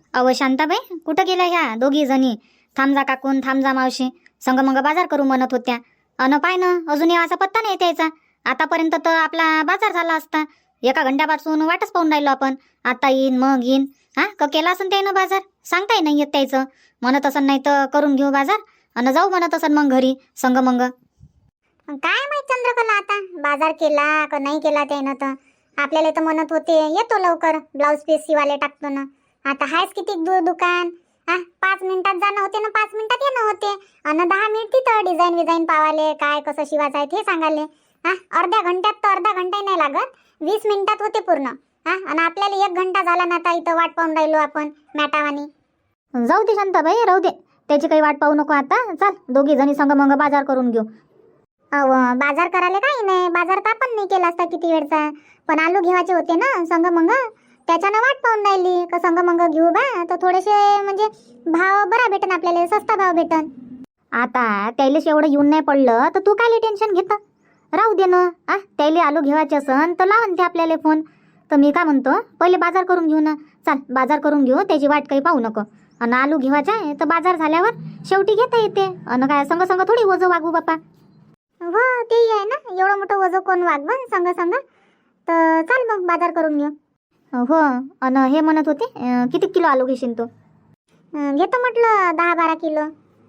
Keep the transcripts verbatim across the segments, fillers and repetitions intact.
अव शांताबाई, कुठं गेल्या ह्या दोघी जणी? थांबजा काकून, थांबजा मावशी, संग मग बाजार करू म्हणत होत्या. अन पाय ना, अजून याचा पत्ता नाही त्याचा. आतापर्यंत तर आपला बाजार झाला असता. एका घंट्यापासून वाटच पाहून राहिलो आपण. आता येईन मग येईन. हा का केला असन त्यानं बाजार? सांगताय नाही येत त्याचं. म्हणत असन नाही तर करून घेऊ बाजार आणि जाऊ म्हणत असन मग घरी संग मग. काय माहित चंद्रकला, आता बाजार केला का नाही केला त्यानं. तर आपल्याला तर म्हणत होते येतो लवकर, ब्लाऊज पीस शिवाले टाकतो ना. आता हायच किती दूर दुकान. हा, पाच मिनिटात जाणं होते ना पाच मिनिटात येणं होते. आणि दहा मिनिट तिथं डिझाईन विझाईन पावाले, काय कसं शिवायचं आहे ते सांगाले. हा, अर्ध्या घंट्यात तर अर्धा घंटा नाही लागत, वीस मिनिटात होते पूर्ण. हा, आणि आपल्याला एक घंटा झाला ना, आता इथं वाट पाहून राहिलो आपण मॅटावानी. जाऊ दे शांताबाई, राहू दे, त्याची काही वाट पाहू नको. आता चल दोघी जणी संग मग बाजार करून घेऊ. अव बाजार करायला काही नाही, बाजार तर आपण नाही केला असता किती वेळचा. पण आलू घेवायचे होते ना संग मग, त्याच्यानं वाट पाहून राहिली का संग मग घेऊ बा. तर थोडेसे म्हणजे भाव बरा भेटन आपल्याला, सस्ता भाव भेटन. आता त्याला एवढं येऊन नाही पडलं तर तू काय टेन्शन घेता? राहू दे ना. आ त्याला आलू घेवायचे असन तर लावून ते आपल्याला फोन. तर मी काय म्हणतो, पहिले बाजार करून घेऊ ना. चाल बाजार करून घेऊ, त्याची वाट काही पाहू नको. आणि आलू घेवायचा आहे तर बाजार झाल्यावर शेवटी घेता येते. आणि काय संग संग थोडी वजं वागू बापा. हो ते आहे ना, एवढं मोठं वजन कोण वागवन संग संग. तर चाल मग बाजार करून घेऊ. हो. आणि हे म्हणत होते अं, किती किलो आलू घेशील तू? अं, घेतो म्हटलं दहा बारा किलो.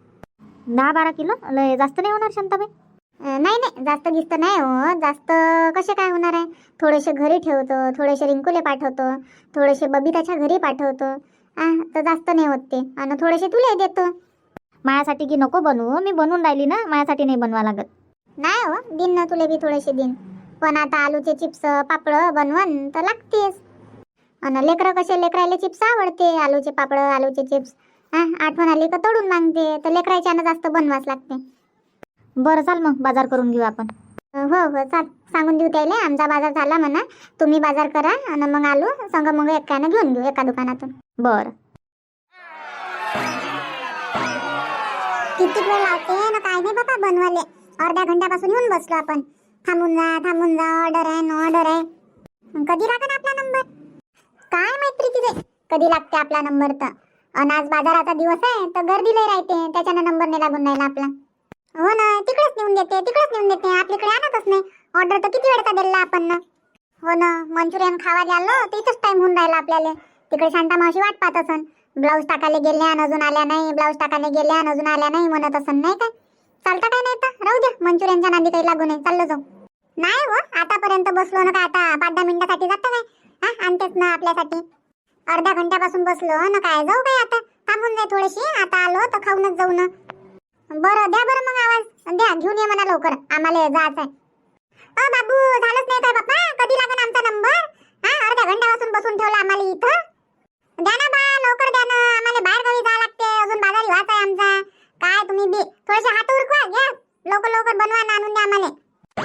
दहा बारा किलो लय जास्त नाही होणार शांताबाई? अं, नाही नाही, जास्त गिस्त नाही हो. जास्त कसे काय होणार आहे. थोडेसे घरी ठेवतो, थोडेसे रिंकूले पाठवतो, थोडेसे बबिताच्या घरी पाठवतो. आ तर जास्त नाही होत ते. आणि थोडेसे तुला देतो. माझ्यासाठी की नको बनवू, मी बनवून राहिली ना, माझ्यासाठी नाही बनवा लागत. नाही हो, दिन ना तुले बी थोडेसे दिन. पण आता आलूचे चिप्स पापड बनवून तर लागतेच. आणि लेकरं कसे, लेकरायले चिप्स आवडते, आलूचे पापड आलूचे चिप्स. हा, आठवण आली का तोडून मागते, तर लेकरायच्यानं जास्त बनवाच लागते. बरं चाल मग बाजार करून घेऊ आपण. हो हो चाल, सांगून देऊ त्याला आमचा बाजार झाला म्हणा, तुम्ही बाजार करा आणि मग आलू संग मग एकानं घेऊन घेऊ एका दुकानातून. बरं. किती वेळ लावते ना काय नाही बाबा बनवाले. अर्ध्या घंट्यापासून येऊन बसलो आपण. थांबून जा थांबून जा, ऑर्डर आहे नो ऑर्डर आहे. कधी लागेल आपला नंबर काय माहिती तिथे, कधी लागते आपला नंबर. तर आणि आज बाजाराचा दिवस आहे तर गर्दी लय राहते, त्याच्यानं नंबर नाही लागून राहिला आपला. हो ना, तिकडेच नेऊन देते तिकडेच नेऊन देते, आपल्याकडे आणतच नाही. ऑर्डर तर किती वेळचा दिला आपण ना. हो ना, मंचुरियन खावायला आलो तर इथंच टाइम होऊन राहिला आपल्याला. तिकडे शांता मावशी वाट पाहत असन, ब्लाऊज टाकायला गेल्या आणि अजून आल्या नाही, ब्लाऊज टाकायला गेल्या आणि अजून आल्या नाही म्हणत असन. नाही काय चालता काय नाही तर राहू द्या, मंचुरियनच्या नांदी काही लागू नये, चाललो जाऊ. नाही हो, आतापर्यंत बसलो ना, काय आता पाच दहा मिनिटासाठी जातं काय. हा, आणतेच ना आपल्यासाठी. अर्ध्या घंट्यापासून बसलो ना, काय जाऊ काय आता, थांबून जाय थोडीशी. आता आलो तर खाऊनच जाऊ ना. बरं द्या बरं मग आवाज द्या, घेऊन ये म्हणा लवकर, आम्हाला जायचं आहे. अ बाबू, झालंच नाही काय बाप्पा, कधी लागेल आमचा नंबर? हा, अर्ध्या घंट्यापासून बसून ठेवला आम्हाला इथं. द्या ना बा, लवकर द्या ना, आम्हाला बाहेर गावी जावं लागते, अजून बाजारी व्हायचा आहे आमचा. काय तुम्ही बी थोडेसे हात उरकवा, घ्या लवकर लवकर बनवा ना, आणून द्या आम्हाला.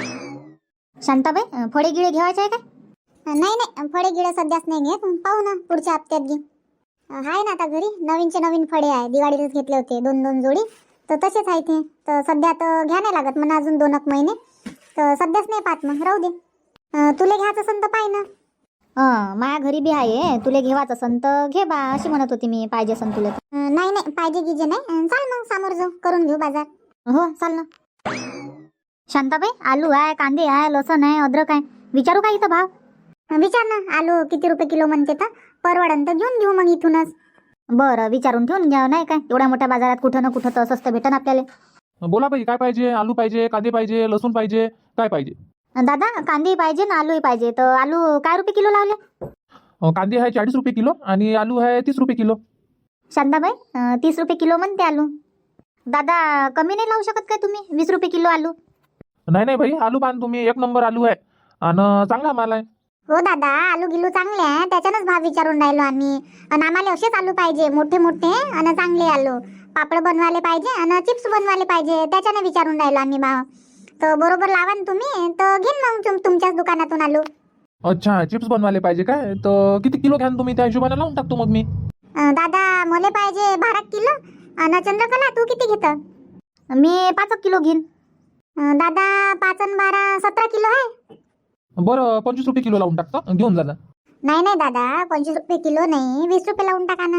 शांताबाई, फळे गिळे घ्यायचे आहे का? नाही नाही, फळे गिळे सध्याच नाही घेत, पाहू ना पुढच्या हप्त्यात घे. आहे ना आता घरी नवीनचे नवीन फळे आहे, दिवाळीलाच घेतले होते दोन दोन जोडी, तर तसेच आहे ते. तर सध्या तर घ्या नाही लागत म्हणा, अजून दोन एक महिने. तर सध्याच नाही पाहत, मग राहू दे. तुला घ्यायचं असेल तर पाय ना. हं, माझ्या घरी बी आहे, तुला घेवाच असन तर घे बा, अशी म्हणत होती मी. पाहिजे असन तुला तर. नाही नाही, पाहिजे गिजे नाही. चाल मग समोर जाऊ, करून घेऊ बाजार. हो चाल ना. शांताबाई, आलू आहे, कांदे आहे, लसण आहे, अद्रक आहे, विचारू का इथं भाव? विचार ना, आलू किती रुपये किलो म्हणते तर परवडन तर घेऊन घेऊ मग इथूनच. बरं, विचारून ठेवून घ्या, नाही काय एवढ्या मोठ्या बाजारात कुठं ना कुठं तर स्वस्त भेटन आपल्याला. बोला बाई, काय पाहिजे? आलू पाहिजे, कांदे पाहिजे, लसूण पाहिजे, काय पाहिजे? दादा, कांदे पाहिजे ना आलूही पाहिजे. तर आलू काय रुपये किलो लावले? अं, कांदे आहे चाळीस रुपये किलो आणि आलू आहे तीस रुपये किलो. शांताबाई, अं, तीस रुपये किलो म्हणते आलू. दादा, कमी नाही लावू शकत काय तुम्ही? वीस रुपये किलो आलू. नाही नाही भाई, आलू पान तुम्ही, एक नंबर आलू आहे आणि चांगला माल आहे. हो दादा, आलू गिलू चांगले आहे, त्याच्यानंच भाव विचारून राहिलो आम्ही. आणि आम्हाला असेच आलू पाहिजे, मोठे मोठे आणि चांगले आलू. पापड बनवायला पाहिजे आणि चिप्स बनवायला पाहिजे, त्याच्यानं विचारून राहिलो आम्ही भाव. तर बरोबर लावा ना तुम्ही, तर घेईन मग तुम तुमच्याच दुकानातून आलू. अच्छा, चिप्स बनवायला पाहिजे काय? तर किती किलो घ्यान तुम्ही, त्या हिशोबाने लावून टाकतो मग मी. अं, दादा मला पाहिजे बारा किलो. आणि चंद्रकला तू किती घेत? मी पाच किलो घेईन. दादा पाच आणि बारा सतरा किलो आहे. बरं, पंचवीस रुपये किलो लावून टाकतो, घेऊन जा ना. नाही नाही दादा, पंचवीस रुपये किलो नाही, वीस रुपये लावून टाका ना.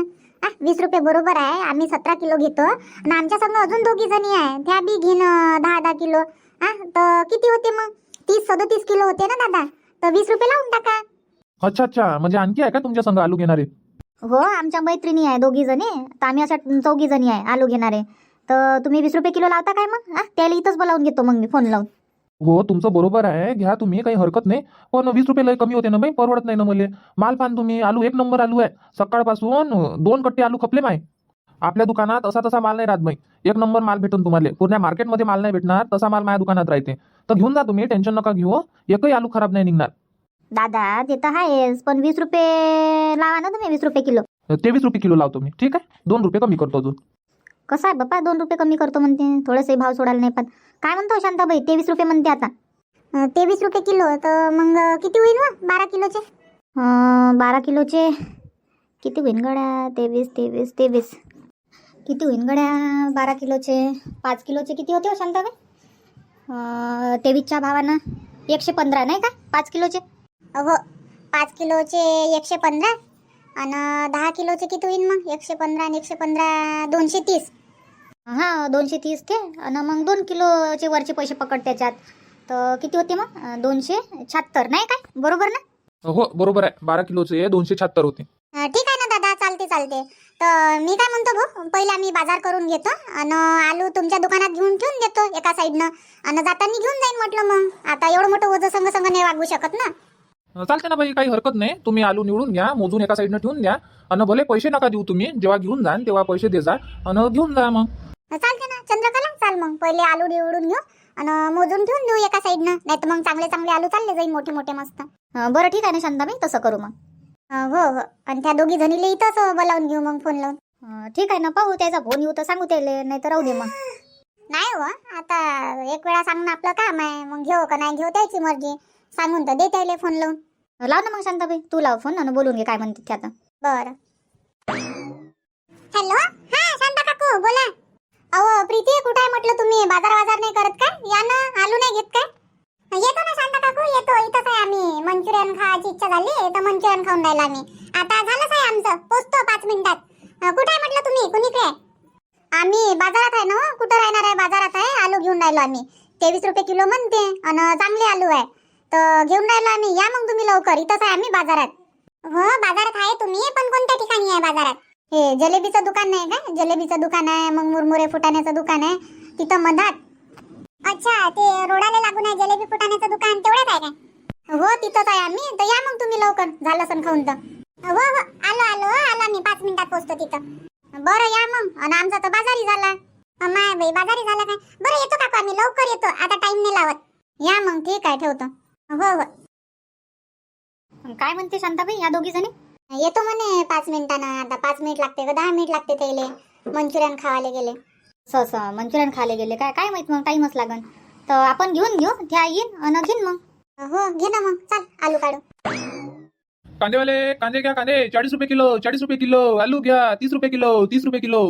हा वीस रुपये बरोबर आहे. आम्ही सतरा किलो घेतो आणि आमच्या संग अजून दोघी जणी आहे, त्या बी घेईन अं, दहा दहा किलो. हा तर किती होते मग? तीस सदोतीस किलो होते ना दादा, तर वीस रुपये लावून टाका. अच्छा अच्छा, म्हणजे आणखी आहे का तुमच्या संग आलू घेणारे? हो, आमच्या मैत्रिणी आहे दोघी जणी, तर आम्ही अशा चौघी जणी आहे आलू घेणारे. तर तुम्ही वीस रुपये किलो लावता काय मग? हा त्याला इथंच बोलावून घेतो मग मी फोन लावून. हो, तुमचं बरोबर आहे, घ्या तुम्ही, काही हरकत नाही. पण वीस रुपये लय कमी होते ना बाई, परवडत नाही ना मला. माल पान तुम्ही, आलू एक नंबर आलू आहे. सकाळपासून दोन कट्टे आलू खपले माय. आपल्या दुकानात असा तसा माल नाही राहत बाई, एक नंबर माल भेटून तुम्हाला. पूर्ण मार्केटमध्ये माल नाही भेटणार तसा माल माझ्या दुकानात राहते. तर घेऊन जा तुम्ही, टेन्शन नका घेऊ, एकही आलू खराब नाही निघणार. दादा ते तर आहेच, पण वीस रुपये लावा ना तुम्ही, वीस रुपये किलो. तेवीस रुपये किलो लावतो मी, ठीक आहे, दोन रुपये कमी करतो अजून. कसं आहे बाप्पा, दोन रुपये कमी करतो म्हणते, थोडेसे भाव सोडायला नाही. पण काय म्हणतो शांताबाई, तेवीस रुपये म्हणते आता. अं, तेवीस रुपये किलो तर मग किती होईल व बारा किलोचे? अं, बारा किलोचे किती होईन गड्या? तेवीस तेवीस तेवीस किती होईन गड्या? बारा किलोचे पाच किलोचे किती होते हो शांताबाई? अं, तेवीसच्या भावानं एकशे पंधरा नाही का पाच किलोचे? हो, पाच किलोचे एकशे पंधरा आणि दहा किलोचे किती होईल मग? एकशे पंधरा आणि एकशे पंधरा दोनशे तीस. हां, दोनशे तीस ते. आणि मग दोन किलोचे वरचे पैसे पकड त्याच्यात, तर किती होते मग? अं, दोनशे शहात्तर नाही काय, बरोबर ना? हो बरोबर आहे, बारा किलोचे दोनशे शहात्तर होते. अं, ठीक आहे ना दादा, चालते चालते. तर मी काय म्हणतो भाऊ, पहिला मी बाजार करून घेतो आणि आलू तुमच्या दुकानात घेऊन ठेवून देतो एका साईडनं, आणि जाताना घेऊन जाईन म्हटलं. मग आता एवढं मोठं ओझं संग संग नाही वागू शकत ना. चालते ना बाई, काही हरकत नाही. तुम्ही आलू निवडून घ्या, मोजून एका साईडनं ठेवून द्या, आणि भले पैसे नका देऊ तुम्ही, जेव्हा घेऊन जाल तेव्हा पैसे दे जा आणि घेऊन जा मग. चालते ना चंद्रकला, चाल मग पहिले आलू निवडून घेऊ आणि मोजून ठेवून देऊ एका साईडनं, नाही तर मग चांगले चांगले आलू चालले जाईल मोठे मोठे मस्त. अं, बरं ठीक आहे ना शांताबाई, तसं करू मग. अं, हो हो, आणि त्या दोघी जणीले इथंच बोलावून घेऊ मग फोन लावून. अं, ठीक आहे ना, पाहू त्याचा फोन येऊ तर सांगू त्याले, नाही तर राहू दे मग. नाही हो, आता एक वेळा सांगणं आपलं काम आहे, मग घेऊ का नाही घेऊ त्याची मर्जी, सांगून तर दे त्याले फोन लावून. लाव ना मग शांताबाई, तू लाव फोन आणि बोलून घे काय म्हणते ते आता. बरं. हॅलो, हा शांता काकू बोला. अहो प्रीती, कुठे आहे म्हटलं तुम्ही? बाजार बाजार नाही करत का? या ना, आलू नाही घेत काय? येतो ना शांता काकू, येतो. इथंच आहे आम्ही. मंचुरियन खायची इच्छा झाली तर मंचुरियन खाऊन राहिला आम्ही. आता झालंच आहे आमचं, पोचतो पाच मिनिटात. अं, कुठे आहे म्हटलं तुम्ही? कुणीकडे आहे? आम्ही बाजारात आहे ना. हो, कुठं राहणार आहे? बाजारात आहे, आलू घेऊन राहिलो आम्ही. तेवीस रुपये किलो म्हणते आणि चांगले आलू आहे, तर घेऊन राहिलो आम्ही. या मग तुम्ही लवकर, इथंच आहे आम्ही बाजारात. हो बाजारात आहे तुम्ही, पण कोणत्या ठिकाणी आहे बाजारात? हे जलेबीचं दुकान नाही का? जलेबीचं दुकान आहे, मग मुरमुरे फुटाण्याचं दुकान आहे तिथं मधात. अच्छा, ते रोडाला लागून आहे जलेबी फुटाण्याचं दुकान, तेवढंच आहे काय? हो तिथंच आहे आम्ही, तर या मग तुम्ही लवकर, झालं सण खाऊन तर. हो हो, आलो आलो आलो आम्ही, पाच मिनिटात पोहोचतो तिथं. बरं या मग, आणि आमचा तर बाजारी झाला. माय बाई, बाजारी झाला काय? बरं येतो काकू आम्ही, लवकर येतो, आता टाइम नाही लावत. या मग, ठीक आहे, ठेवतो. हो हो. काय म्हणते शांताबाई या दोघी जणी? येतो म्हणे पाच मिनिटानं. आता पाच मिनिट लागते का दहा मिनिट लागते त्याले? मंचुरियन खावायला गेले. स मंचुरियन खायला गेले काय? काय माहित, मग टाईमच लागन. तर आपण घेऊन घेऊ, त्या येईन आणि घेईन मग. हो घे ना मग, चाल आलू काढू. कांदेवाले, कांदे घ्या, कांदे चाळीस रुपये किलो, चाळीस रुपये किलो. आलू घ्या, तीस रुपये किलो, तीस रुपये किलो.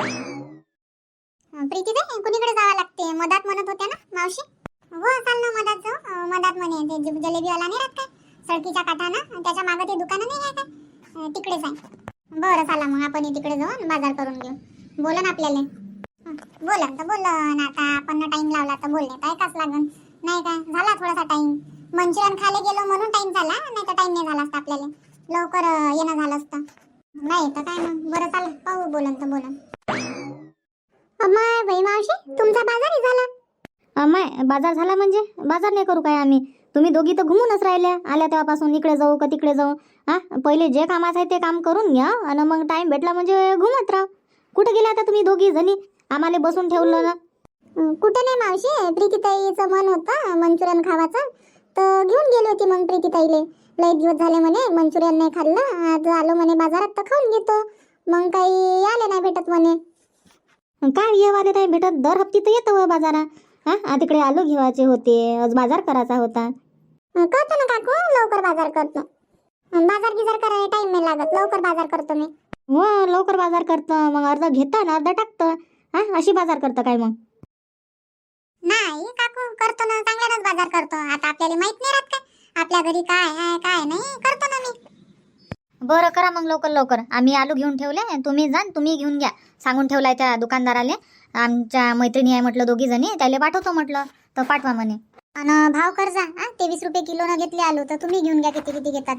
प्रीती दे, कुणीकडे जावं लागते? मधात म्हणत होत्या ना मावशी? हो चाल ना, मधात जाऊ. अं, मधात म्हणे ते ज- जलेबीवाला नाही राहत काय सडकीच्या काठानं, त्याच्या मागे ते दुकानं नाही आहे काय? अं, तिकडेच आहे. बरं चला मग, आपण तिकडे जाऊ आणि बाजार करून घेऊ. बोला ना आपल्याला. हं, बोला तर बोला ना. आता आपण टाइम लावला तर बोलले तर ऐकाच लागन, नाही काय? झाला थोडासा टाइम. मंचुरियन खायला गेलो म्हणून टाइम झाला, नाही तर टाइम नाही झाला असता आपल्याला. लवकर अं, येणं झालं असतं. नाही तर काय मग. बरं चाल, पाहू बोलन तर बोलन. अम्माय बाई मावशी, तुमचा बाजारही झाला. अमाय, बाजार झाला म्हणजे? बाजार नाही करू काय आम्ही? तुम्ही दोघी तर घुमूनच राहिल्या, आल्या तेव्हापासून. इकडे जाऊ का तिकडे जाऊ? हा, पहिले जे कामाचं आहे ते काम करून घ्या आणि मग टाइम भेटला म्हणजे घुमत राहा. कुठे गेल्या आता तुम्ही दोघी जणी? आम्हाला बसून ठेवलं ना. अं, कुठे नाही मावशी, प्रीतीताईचं मन होतं मंचुरियन खावाचं, तर घेऊन गेली होती मग प्रीतीताईले. लय दिवस झाले म्हणे मंचुरियन नाही खाल्लं, आज आलो म्हणे बाजारात तर खाऊन घेतो. मग काही आले नाही भेटत म्हणे. काय येवाले नाही भेटत? दर हप्ती तर येतं व बाजारात. हा, तिकडे आलू घेवायचे होते, आज बाजार करायचा होता. अं, करतो ना काकू, लवकर बाजार करतो. अं, बाजार गिजार करायला टाइम नाही लागत, लवकर बाजार करतो मी. हो, लवकर बाजार करतं, मग अर्धा घेतं ना अर्धा टाकतं. हा, अशी बाजार करतं काय मग? नाही काकू, करतो ना, चांगल्यानंच बाजार करतो. आता आपल्याला माहित नाही राहत काय आपल्या घरी काय आहे काय नाही, करतो ना मी. बरं करा मग लवकर लवकर. आम्ही आलू घेऊन ठेवले, तुम्ही जा तुम्ही घेऊन घ्या. सांगून ठेवलाय त्या दुकानदाराले, आमच्या मैत्रिणी आहे म्हटलं दोघी जणी, त्याला पाठवतो म्हटलं तर पाठवा म्हणे. आणि भाव कर जा. हा तेवीस रुपये किलोनं घेतले आलू, तर तुम्ही घेऊन घ्या किती किती घेतात.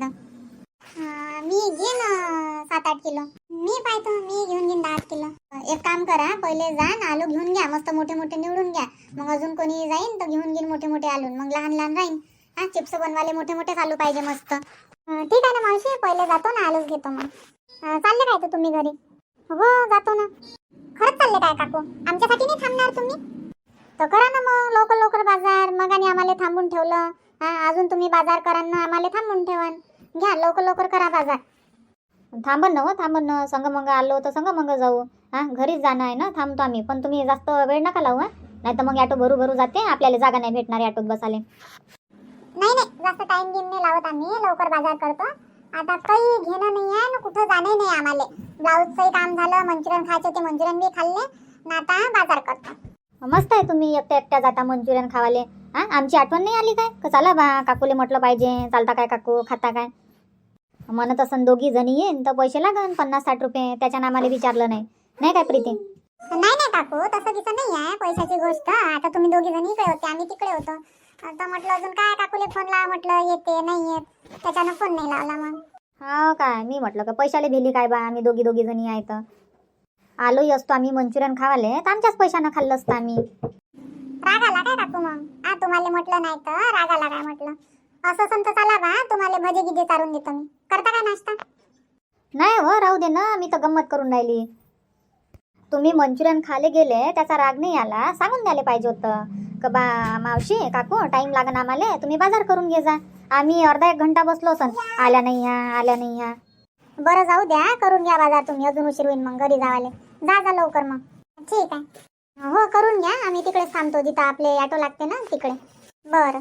मी घेईन सात आठ किलो. मी पाहतो मी घेऊन घेईन दहा आठ किलो. एक काम करा, पहिले जा न आलू घेऊन घ्या, मस्त मोठे मोठे निवडून घ्या. मग अजून कोणी जाईन तर घेऊन घेईन मोठे मोठे आलू, मग लहान लहान राहीन. हा चिप्स बनवाले मोठे मोठेच आलू पाहिजे मस्त. ठीक आहे ना मावशी, पहिले जातो ना आलूच घेतो. मग चालले काय तर तुम्ही घरी? हो जातो ना. खरंच चालले काय काकू? आमच्यासाठी नाही थांबणार तुम्ही? तर करा ना मग लवकर लवकर बाजार. मग आणि आम्हाला थांबून ठेवलं. हा अजून तुम्ही बाजार करा ना, आम्हाला थांबून ठेवा. घ्या लवकर लवकर करा बाजार. थांबन ना हो थांबन ना, संग मग आलो तर संग मग जाऊ. हा घरीच जाणं आहे ना, थांबतो आम्ही. पण तुम्ही जास्त वेळ नका लावू. हा नाही तर मग ऑटो भरू भरू जाते, आपल्याला जागा नाही भेटणार ऑटोत बसाले. नाही नाही जास्त टाइम घेऊन नाही लावत आम्ही, लवकर बाजार करतो. आता काही घेणं नाही आहे ना, कुठं जाणं नाही आम्हाला. ब्लाऊजचंही काम झालं, मंचुरियन खायचे ते मंचुरियन बी खाल्ले ना, आता बाजार करतो. मस्त आहे तुम्ही एकट्या एकट्या जाता मंचुरियन खावाले. हा आमची आठवण नाही आली काय? का चला बा काकूले म्हटलं पाहिजे, चालता काय काकू खाता काय म्हणत असन. दोघी जणी येईन तर पैसे लागन पन्नास साठ रुपये, त्याच्यानं आम्हाला विचारलं नाही. नाही काय प्रीती? नाही नाही काकू तसं तिचं नाही आहे पैशाची गोष्ट. आता तुम्ही दोघी जणी इकडे होते, आम्ही तिकडे होतो. आता म्हटलं अजून काय काकूले फोन लावा म्हटलं, येते नाही येत, त्याच्यानं फोन नाही लावला. मग हा काय मी म्हटलं का पैशाले भेली काय बा, आम्ही दोघी दोघी जणी आहे तर आलोही असतो आम्ही मंचुरियन खावाले तर आमच्याच पैशानं खाल्लं असतं आम्ही. राग आला काय काकू? मग हा तुम्हाला म्हटलं नाही तर राग आला काय म्हटलं? असं संत चला बा, तुम्हाला भजे गिजे चारून देतो मी. करता काय नाश्ता? नाही हो राहू दे ना, मी तर गंमत करून राहिली. तुम्ही मंचुरियन खाले गेले त्याचा राग नाही आला, सांगून द्यायला पाहिजे होतं का बा मावशी काकू टाईम लागन आम्हाला, तुम्ही बाजार करून घे जा. आम्ही अर्धा एक घंटा बसलो असन, आल्या नाही ह्या आल्या नाही ह्या. बरं जाऊ द्या, करून घ्या बाजार तुम्ही, अजून उशीर होईल मग घरी जावाले. जा जा लवकर मग. ठीक आहे हो करून घ्या, आम्ही तिकडेच थांबतो जिथं आपले ऑटो लागते ना तिकडे. बरं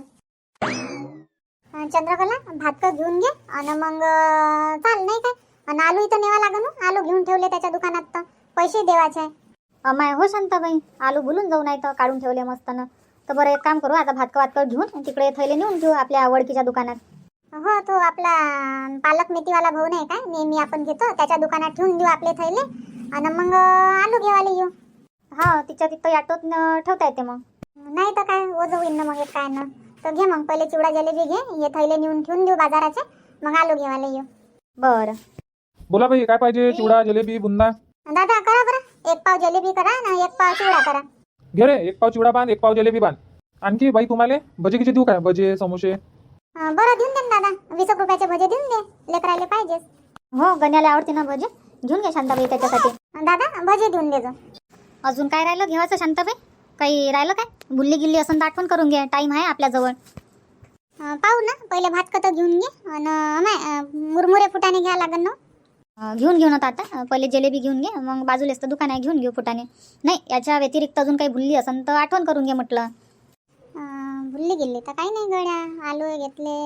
चंद्रकला भात का घेऊन घे आणि मग चाल नाही काय. आणि आलू इथं नेवा लागन. आलू घेऊन ठेवले त्याच्या दुकानात तर पैसे देवाचे आहे. अमाय हो शांताबाई, आलू भुलून जाऊ नाही तर काढून ठेवले मस्त ना. तर बरं एक काम करू, आता भातका वातकर घेऊन तिकडे थैले नेऊन ठेवू आपल्या ओळखीच्या दुकानात. हो तो आपला पालक मेथीवाला भाऊ नाही काय, नेहमी आपण घेतो त्याच्या दुकानात ठेवून देऊ आपले थैले आणि मग आलू घेवाले येऊ. हा तिच्या तिथं ऑटोत ठेवता येते मग. नाही तर काय ओझं होईन ना मग एक काय ना. तर घे मग पहिले चिवडा जलेबी घे, हे थैले नेऊन ठेवून देऊ बाजाराचे, मग आलू घेवाले येऊ. बरं बोला बाई काय पाहिजे? चिवडा जिलेबी बुंदा? दादा करा बरं, एक पाव जलेबी करा ना एक पाव चिवडा करा. घे रे, एक पाव चिवडा बांध एक पाव जिलेबी बांध. आणखी बाई तुम्हाला भजे किती देऊ काय? भजे समोसे? अं, बरं देऊन दे ना दादा, वीस एक रुपयाचे भजे देऊन दे, लेकराले पाहिजेच. हो गण्याला आवडते ना भजे, घेऊन घ्या शांताबाई त्याच्यासाठी. दादा भजे देऊन देजो. अजून काय राहिलं घेवायचं शांताबाई? काही राहिलं काय? भुल्ली गिल्ली असं तर आठवण करून घ्या, टाईम आहे आपल्याजवळ. अं, पाहू ना पहिले भात कत घेऊन घे आणि मुरमुरे फुटाने घ्या लागन ना. अं, घेऊन घेऊन आता आता पहिले जिलेबी घेऊन घे, मग बाजूलाच तर दुकान आहे घेऊन घेऊ फुटाने. नाही याच्या व्यतिरिक्त अजून काही भुल्ली असन तर आठवण करून घे म्हटलं. अं, भुलली गेली तर काही नाही गड्या, आलू घेतले,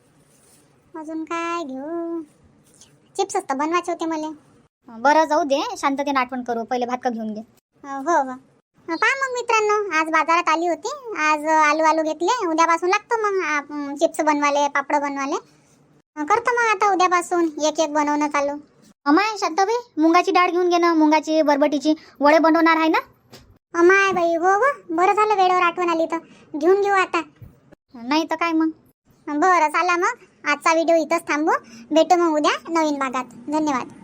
अजून काय घेऊ? चिप्स असतं बनवायचे होते मला. बरं जाऊ दे, शांततेने आठवण करू, पहिले भात का घेऊन घे. अं, हो हो पहा मग मित्रांनो, आज बाजारात आली होती, आज आलू आलू घेतले, उद्यापासून लागतो मग आप- चिप्स बनवाले, पापड बनवाले. अं, करतो मग आता उद्यापासून एक एक बनवणं चालू. अमाय शांताबाई मुंगाची डाळ घेऊन घे ना, मुंगाची बरबटीची वडे बनवणार आहे ना. अमाय बाई हो हो बरं झालं वेळेवर आठवण आली तर घेऊन घेऊ आता. नाही तर काय मग. बरं चला मग आजचा व्हिडिओ इथंच थांबू, भेटू मग उद्या नवीन भागात. धन्यवाद.